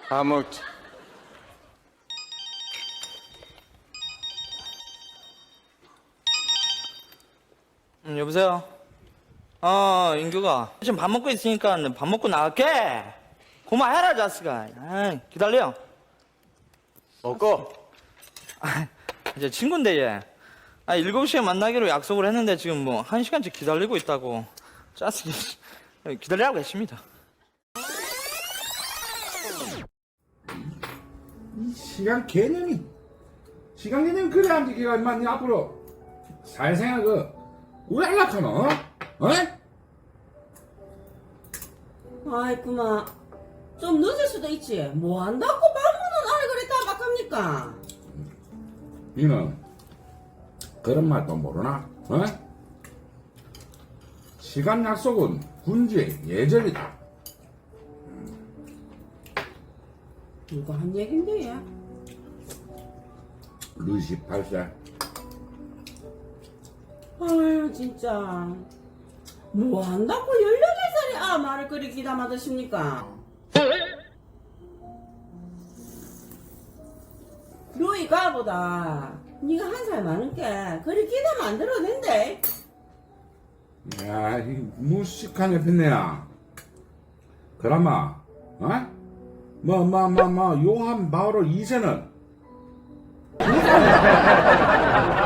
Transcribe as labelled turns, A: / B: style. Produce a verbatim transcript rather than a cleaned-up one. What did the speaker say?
A: 다 먹지.
B: 음, 여보세요? 어, 인규가. 지금 밥 먹고 있으니까 밥 먹고 나갈게. 고마해라, 자식아. 아이, 기다려.
A: 먹고.
B: 아, 이제 친구인데, 얘. 아, 일곱 시에 만나기로 약속을 했는데 지금 뭐, 한 시간째 기다리고 있다고. 자식이. 기다리라고 했습니다.
C: 이 시간 개념이 시간 개념이 그래 안 지기가 인마 니 앞으로 사회생활 그왜 안락하노? 어? 어?
D: 아이쿠마 좀 늦을 수도 있지 뭐 한다고 방문은 안해 그랬다 막합니까?
C: 니는 그런 말도 모르나? 어? 시간 약속은 군주의 예절이다.
D: 누가 한 얘긴데 얘?
C: 루시 팔 세.
D: 아유 진짜 뭐 한다고 열여덟 살이 아 말을 그리 기다마 드십니까? 루이가보다 니가 한 살 많은게 그리 기다마 안 들어도 된대.
C: 야, 이 무식한 애편네야. 그나마, 어? 뭐, 뭐, 뭐, 뭐, 요한 바오로 이 세는